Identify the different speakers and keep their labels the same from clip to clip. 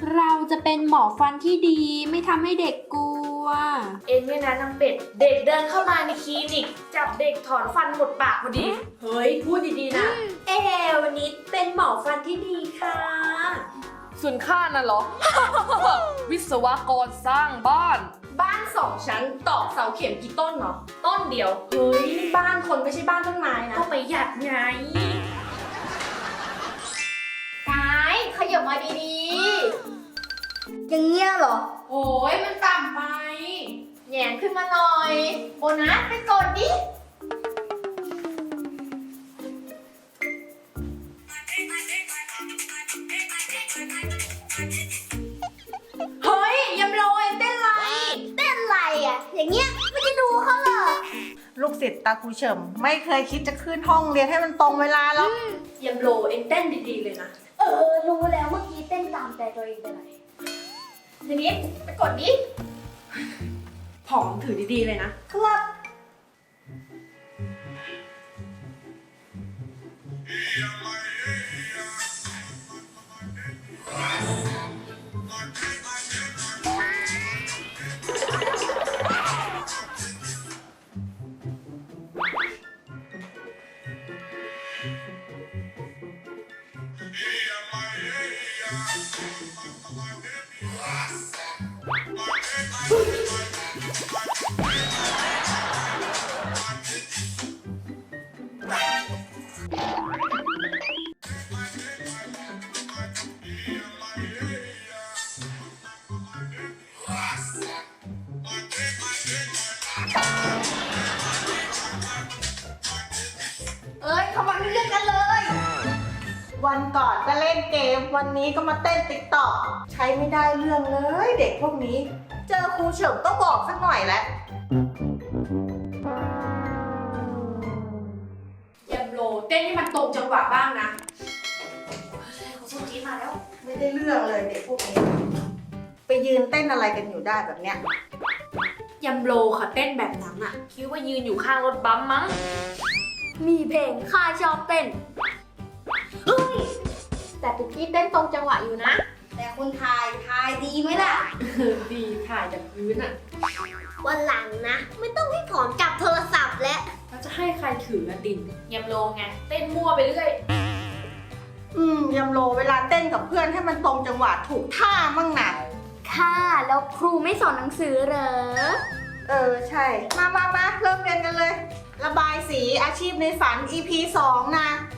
Speaker 1: เราจะเป็นหมอฟันที่ดีไม่ทำให้เด็กกลัว
Speaker 2: เองเนี่ยนะนางเป็ด เด็กเดินเข้ามาในคลินิกจับเด็กถอนฟันหมดปากพอดี
Speaker 1: เฮ้ย พูดดีๆนะ วันนี้เป็นหมอฟันที่ดีค่ะ
Speaker 2: ส่วนข้าน่ะเหรอ วิศวกรสร้างบ้าน
Speaker 1: บ้าน2 ชั้นตอกเสาเข็มกี่ต้นเหรอ
Speaker 2: ต้นเดียว
Speaker 1: เฮ้ย บ้านคนไม่ใช่บ้านต้นไม้นะ
Speaker 2: ก็ประหยัดไง
Speaker 3: กายขยับมาดีๆ อย่างเงี้ยเหรอ
Speaker 1: โอ้ยมันต่ำไป
Speaker 3: แหงนขึ้นมาหน่อย โบนัสไปกดดิ
Speaker 1: เฮ้ยยำโรยเต้นไร
Speaker 3: เต้นไรอ่ะ อย่างเงี้ยไม่จะดูเขาเหรอ
Speaker 4: ลูกศิษย์ตาครูเฉิมไม่เคยคิดจะขึ้นห้องเรียนให้มันตรงเวลาหรอก
Speaker 1: ยำโรเอ็งเต้นดีๆเลยนะ
Speaker 3: รู้แล้วเมื่อกี้เต้นตามใจตัวเองไปไหนทีนี้ไปกดดิ
Speaker 1: ผอมถือดีๆเลยนะ
Speaker 3: ครับ
Speaker 1: เอ้ยเขามาเรื่องกันเลย
Speaker 4: วันก่อนก็เล่นเกม วันนี้ก็มาเต้นติ๊กต็อกใช้ไม่ได้เรื่องเลยเด็กพวกนี้ เจอครูเฉิมต้องบอกสักหน่อยแหละ
Speaker 1: ยำโรเต้นให้มันตรงจังหวะบ้างนะ
Speaker 3: สุจีมาแล้ว
Speaker 4: ไม่ได้เรื่องเลยเด็กพวกนี้ ไปยืนเต้นอะไรกันอยู่ได้แบบเนี้ย
Speaker 1: ยำโรค่ะเต้นแบบนั้นอะ
Speaker 2: คิดว่ายืนอยู่ข้างรถบัมป์มั้ง
Speaker 3: มีเพลงข้าชอบเต้น เฮ้ย แต่ปุกกี้เต้นตรงจังหวะอยู่นะ แต่คุณทายดีไหมล่ะ
Speaker 1: ดีถ่ายจากพื้นอะ
Speaker 3: วันหลังนะ ไม่ต้องให้ถอนกลับโทรศัพท์แล้ว
Speaker 1: แล้วจะให้ใครถืออะดิน
Speaker 2: ยำโลไง เต้นมั่วไปเรื่อย
Speaker 4: ยำโลเวลาเต้นกับเพื่อนให้มันตรงจังหวะถูกท่ามั่งนะ
Speaker 3: ค่ะ แล้วครูไม่สอนหนังสือเหรอ
Speaker 4: ใช่ มาเริ่มเรียนกันเลย ระบายสีอาชีพในฝัน EP 2 นะ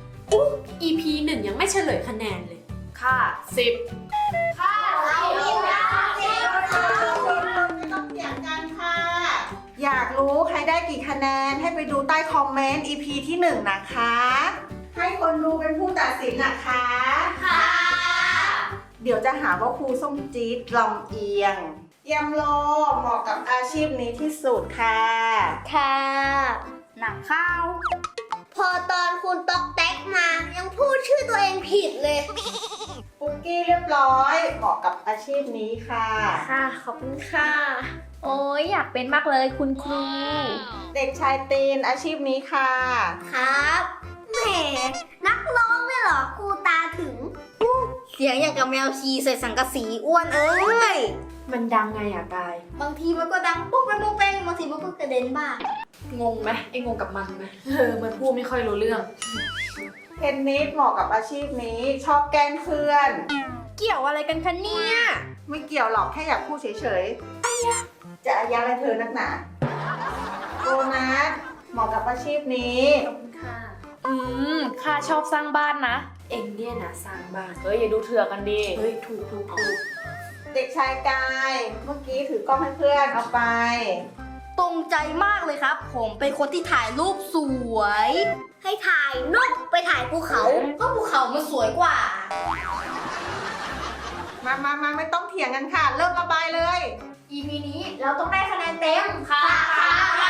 Speaker 1: EP 1ยังไม่เฉลยคะแนนเลย
Speaker 2: ค่า10
Speaker 3: ค่ะเราเรียนนะ
Speaker 4: ไม่ต้องเถียงกันค่ะ อยากรู้ใครได้กี่คะแนนให้ไปดูใต้คอมเมนต์ EP ที่ 1 นะคะ ให้คนดูเป็นผู้ตัดสินนะคะ
Speaker 3: ค่ะ
Speaker 4: เดี๋ยวจะหาว่าครูส้มจี๊ดลำเอียงยำโลเหมาะกับอาชีพนี้ที่สุดค่ะ
Speaker 3: ค่ะ หนังข้าว พอตอนคุณต๊อกแต๊กมายังพูดชื่อตัวเองผิดเลย
Speaker 4: ปุกกี้เรียบร้อยเหมาะกับอาชีพนี้ค่ะ
Speaker 3: ค่ะ ขอบคุณค่ะ โอ้ยอยากเป็นมากเลยคุณครู
Speaker 4: เด็กชายตีนอาชีพนี้ค่ะ
Speaker 3: ครับแหมนักร้องเนี่ยเหรอครูตาถึง เสียงอย่างกับแมวชีใส่สังกะสีอ้วนเอ้ย
Speaker 1: มันดังไงอะกาย
Speaker 3: บางทีมันก็ดังปุ๊บไปปุ๊บไปบางทีมันก็กระเด็นบ้าง
Speaker 1: งงไหมไอ้งงกับมันไหม
Speaker 2: มันพูดไม่ค่อยรู้เรื่อง
Speaker 4: เทนนิสเหมาะกับอาชีพนี้ชอบแกล้งเพื่อน
Speaker 1: เกี่ยวอะไรกันคะเนี่ย
Speaker 4: ไม่เกี่ยวหรอกแค่อยากพูดเฉยๆจะอายะอะไรเธอนักหนาโบนัสเหมาะกับอาชีพนี้
Speaker 3: ค่ะ
Speaker 2: ข้าชอบสร้างบ้านนะ
Speaker 1: เอ็งเนี่ยนะสร้างบ้าน
Speaker 2: เฮ้ย อย่าดูเถื่อกันดิ
Speaker 1: เฮ้ย ถูก
Speaker 4: เด็กชายกายเมื่อกี้ถือกล้องให้เพื่อนเอาไป
Speaker 3: ตรงใจมากเลยครับ ผมเป็นคนที่ถ่ายรูปสวย ให้ถ่ายนกไปถ่ายภูเขาก็ภูเขามันสวยกว่า
Speaker 4: มาไม่ต้องเถียงกันค่ะ เริ่มระบายเลย
Speaker 3: EP นี้เราต้องได้คะแนนเต็ม ค่ะค่ะ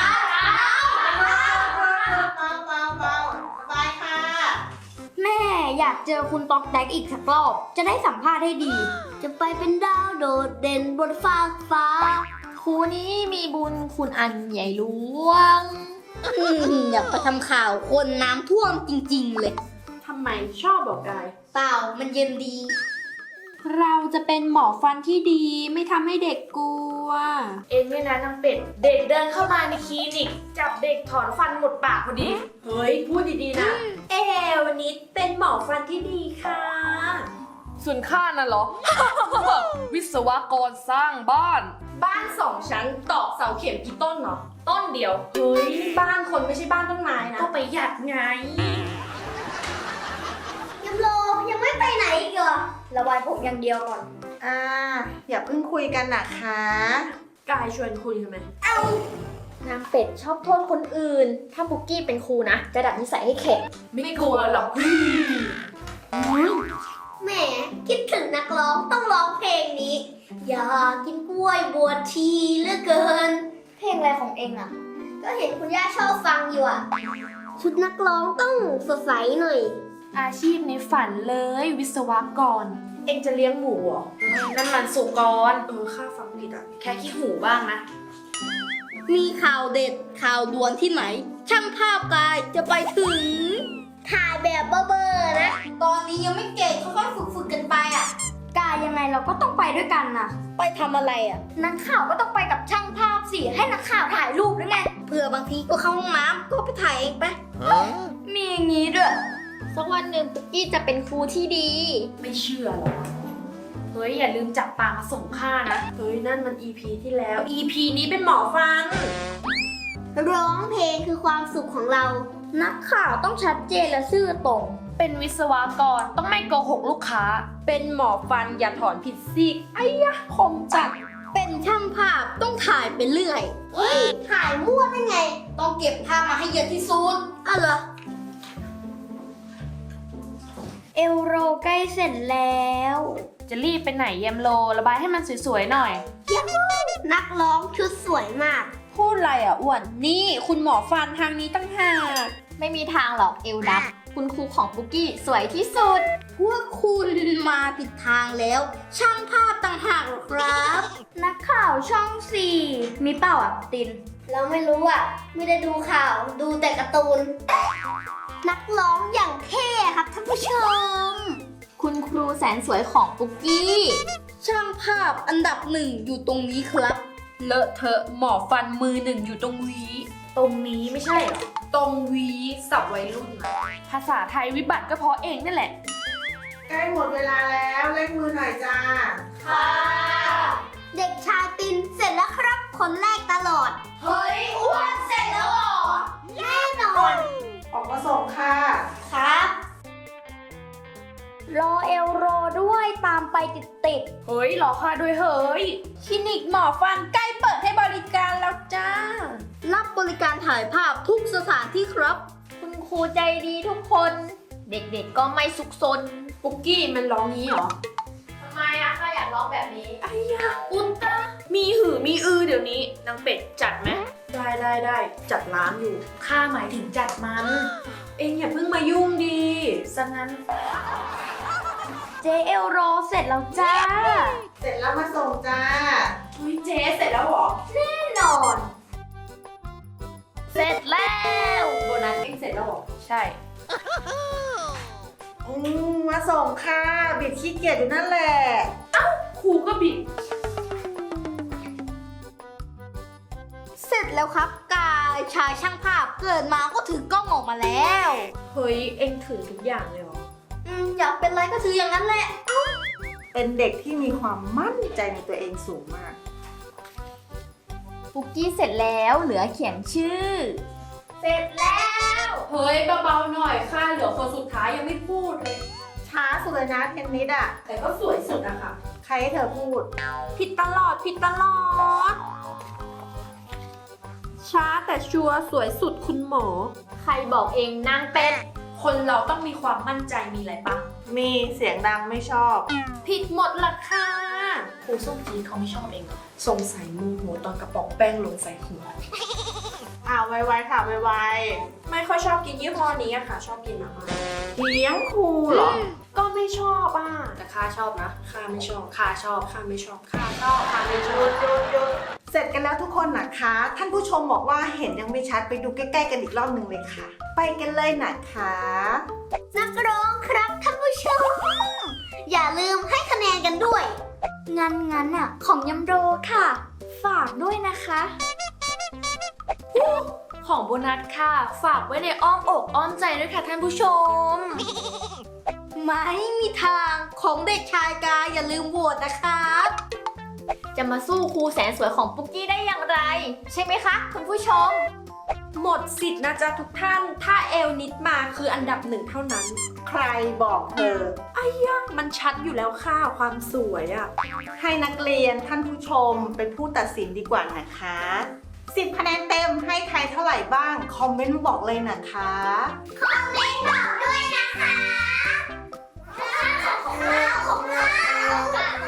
Speaker 4: เบาระบายค่ะ
Speaker 3: แม่อยากเจอคุณต๊อกแต๊กอีกสักรอบ จะได้สัมภาษณ์ให้ดี จะไปเป็นดาวโดดเด่นบนฟ้ากฟ้า
Speaker 2: ครูนี้มีบุญคุณอันใหญ่หลวง
Speaker 3: อยากไปทำข่าวคนน้ำท่วมจริงๆเลย
Speaker 1: ทำไมชอบบอกกาย
Speaker 3: เปล่ามันเย็นดี
Speaker 1: เราจะเป็นหมอฟันที่ดีไม่ทำให้เด็กกลัว
Speaker 2: เองเนี่ยนะนางเป็ด เด็กเดินเข้ามาในคลินิก จับเด็กถอนฟันหมดปากพอดี
Speaker 1: เฮ้ย พูดดีๆนะ วันนี้เป็นหมอฟันที่ดีค่ะ
Speaker 5: ส่วนข้าน่ะเหรอ วิศวกรสร้างบ้าน
Speaker 3: บ้าน2 ชั้นตอกเสาเข็มกี่ต้นเนาะ
Speaker 2: ต้นเดียว
Speaker 3: เฮ้ยบ้านคนไม่ใช่บ้านต้นไม้นะ
Speaker 2: ก็ประหยัดไง
Speaker 3: ยังโลยังไม่ไปไหนอีกเหรอระบายผมอย่างเดียวก่อน
Speaker 4: อย่าเพิ่งคุยกันนะคะ
Speaker 1: กายชวนคุยทำไม
Speaker 3: นางเป็ดชอบโทษคนอื่น ถ้าบุกกี้เป็นครูนะ จะดัดนิสัยให้แข็ง
Speaker 2: ไม่กลัวหรอก
Speaker 3: แหมคิดถึงนักร้องต้องร้องเพลงนี้ อยากกินกล้วยบวชทีเหลือเกิน เพลงอะไรของเองอ่ะ ก็เห็นคุณย่าชอบฟังอยู่อ่ะ ชุดนักร้องต้องสดใสหน่อย
Speaker 2: อาชีพในฝันเลยวิศวกร
Speaker 1: เอ็งจะเลี้ยงหมูเหรอ
Speaker 2: นั่นมันสุกร
Speaker 1: ข้าฟังผิดอ่ะ
Speaker 2: แค่ขี้หูบ้างนะ
Speaker 3: มีข่าวเด็ดข่าวด่วนที่ไหน ช่างภาพกายจะไปถึง ถ่ายแบบเบอร์นะ ตอนนี้ยังไม่เก่งค่อยๆฝึกกันไปอ่ะ กายยังไงเราก็ต้องไปด้วยกันนะไปทำอะไรอ่ะ นักข่าวก็ต้องไปกับช่างภาพสิ ให้นักข่าวถ่ายรูปด้วยไง เผื่อบางทีก็เข้าห้องน้ำก็ไปถ่ายเองไป มีอย่างนี้ด้วยสักวันหนึ่งปุ๊กกี้จะเป็นครูที่ดี
Speaker 1: ไม่เชื่อหรอก
Speaker 2: เฮ้ย อย่าลืมจับปลามาส่งข้านะ
Speaker 1: เฮ้ย นั่นมัน EP ที่แล้ว EP นี้เป็นหมอฟัน
Speaker 3: ร้องเพลงคือความสุขของเรา นักข่าวต้องชัดเจนและซื่อตรง
Speaker 2: เป็นวิศวกรต้องไม่โกหกลูกค้า
Speaker 1: เป็นหมอฟันอย่าถอนผิดซีกไอ้ยะคมจัด
Speaker 3: เป็นช่างภาพต้องถ่ายไปเรื่อย เฮ้ย ถ่ายมั่วได้ไง ต้องเก็บภาพมาให้เยอะที่สุดอ้าวเหรอ เอลโรใกล้เสร็จแล้ว
Speaker 2: จะรีบไปไหนเยมโล ระบายให้มันสวยๆหน่อย
Speaker 3: นักร้องชุดสวยมาก
Speaker 1: พูดอะไรอ่ะอ้วน นี่คุณหมอฟันทางนี้ตั้งหาก
Speaker 3: ไม่มีทางหรอกเอลดับ คุณครูของปุกกี้สวยที่สุด พวกคุณมาผิดทางแล้ว ช่างภาพต่างหากหรอครับ นักข่าวช่อง 4 มีเปล่าอ่ะติน เราไม่รู้อ่ะ ไม่ได้ดูข่าวดูแต่การ์ตูน นักร้องอย่างเท่ครับท่านผู้ชม คุณครูแสนสวยของปุกกี้ ช่างภาพอันดับ 1 อยู่ตรงนี้ครับ
Speaker 1: เลอะเทอะหมอฟันมือหนึ่งอยู่ตรงหวี
Speaker 2: ตรงนี้ไม่ใช่เหรอ
Speaker 1: ตรงหวีสับวัยรุ่นอะ
Speaker 2: ภาษาไทยวิบัติก็เพราะเองนั่นแหละ
Speaker 4: ใกล้หมดเวลาแล้วเล่นมือหน่อยจ้า
Speaker 3: ค่ะ เด็กชายตินเสร็จแล้วครับ คนแรกตลอด เฮ้ย อ้วนเสร็จแล้วเหรอ แน่นอน
Speaker 4: ออกมาส่งค่ะ
Speaker 3: ครับ รอเอลโรด้วยตามไปติด
Speaker 2: เฮ้ยรอข้าด้วยเฮ้ย
Speaker 1: คลินิกหมอฟันใกล้เปิดให้บริการแล้วจ้า
Speaker 3: ๆ รับบริการถ่ายภาพทุกสถานที่ครับ คุณครูใจดีทุกคน เด็กๆก็ไม่ซุกซน
Speaker 1: ปุกกี้มันร้องงี้เหรอ
Speaker 3: ทำไมอะข้าอยากร้องแบบนี้
Speaker 1: ไอ้ยะ
Speaker 2: อุตตะมีหือมีอือเดี๋ยวนี้นางเป็ดจัดไหม
Speaker 1: ได้จัดร้านอยู่
Speaker 2: ข้าหมายถึงจัดมัน
Speaker 1: เอ็งอย่าเพิ่งมายุ่งดี
Speaker 2: ซะงั้น
Speaker 3: เจเอลโรเสร็จแล้วจ้า
Speaker 4: เสร็จแล้วมาส่งจ้า
Speaker 1: เฮ้ยเจ๊เสร็จแล้วเหรอ
Speaker 3: แน่นอน เสร็จแล้ว
Speaker 1: โบนัสเอ็งเสร็จแล้วเหรอ
Speaker 2: ใช่
Speaker 4: มาส่งค่ะ บิดขี้เกียจอยู่นั่นแหละ
Speaker 2: ครูก็บิด
Speaker 3: เสร็จแล้วครับกายชายช่างภาพเกิดมาก็ถือกล้องออกมาแล้ว
Speaker 1: เฮ้ยเอ็งถือทุกอย่างเลยเหรอ
Speaker 3: อยากเป็นอะไรก็ถืออย่างนั้นแหละ
Speaker 4: เป็นเด็กที่มีความมั่นใจในตัวเองสูงมาก
Speaker 3: ปุกกี้เสร็จแล้วเหลือเขียนชื่อ เสร็จแล้ว
Speaker 1: เฮ้ยเบาๆหน่อยค่ะเหลือคนสุดท้ายยังไม่พูดเลย
Speaker 4: ช้าสุดเลยนะเทนนิสอ่ะ
Speaker 1: แต่ก็สวยสุดอะค่ะ
Speaker 4: ใครให้เธอพูด
Speaker 1: ผิดตลอด ช้าแต่ชัวร์สวยสุดคุณหมอ
Speaker 3: ใครบอกเองนางเป็ด
Speaker 1: คนเราต้องมีความมั่นใจมีอะไรปะ
Speaker 4: มีเสียงดังไม่ชอบ
Speaker 1: ผิดหมดละค่ะ
Speaker 2: ครูส้มจีนเขาไม่ชอบเองเหรอ
Speaker 1: สงสัยโมโหตอนกระป๋องแป้งหล่นใส่หัว
Speaker 4: ไวๆค่ะไว
Speaker 1: ไม่ค่อยชอบกินยี่ห้อนี้อะค่ะ ชอบกินมาม่า
Speaker 4: ๆเลี้ยงครูเหรอ
Speaker 1: ก็ไม่ชอบอ่ะ
Speaker 2: แต่ข้าชอบนะ
Speaker 1: ข้าไม่ชอบ
Speaker 2: ข้าชอบ
Speaker 1: ข้าไม่ชอบข้าชอบข้าไม่ช
Speaker 4: ห
Speaker 1: อ
Speaker 4: ยุ
Speaker 1: บ
Speaker 4: ดหยุดหยุดเสร็จกันแล้วทุกคนนะคะ ท่านผู้ชมบอกว่าเห็นยังไม่ชัดไปดูใกล้ๆกันอีกรอบหนึ่งเลยค่ะ ไปกันเลยนะคะ
Speaker 3: นักร้องครับท่านผู้ชมอย่าลืมให้คะแนนกันด้วย งั้นอ่ะ ของยำโรค่ะ ฝากด้วยนะคะ
Speaker 2: ของโบนัสค่ะ ฝากไว้ในอ้อมอกอ้อมใจด้วยค่ะท่านผู้ชม
Speaker 3: ไม่มีทางของเด็กชายกาอย่าลืมโหวตนะครับ จะมาสู้ครูแสนสวยของปุ๊กกี้ได้อย่างไร ใช่ไหมคะคุณผู้ชม
Speaker 1: หมดสิทธิ์นะจ๊ะทุกท่าน ถ้าเอลนิดมาคืออันดับหนึ่งเท่านั้น
Speaker 4: ใครบอกเธอ
Speaker 1: มันชัดอยู่แล้วค่ะความสวยอะ
Speaker 4: ให้นักเรียนท่านผู้ชมเป็นผู้ตัดสินดีกว่านะคะ10 คะแนนเต็มให้ใครเท่าไหร่บ้าง คอมเมนต์มาบอกเลยนะคะ
Speaker 3: คอมเมนต์บอกด้วยนะคะของเรา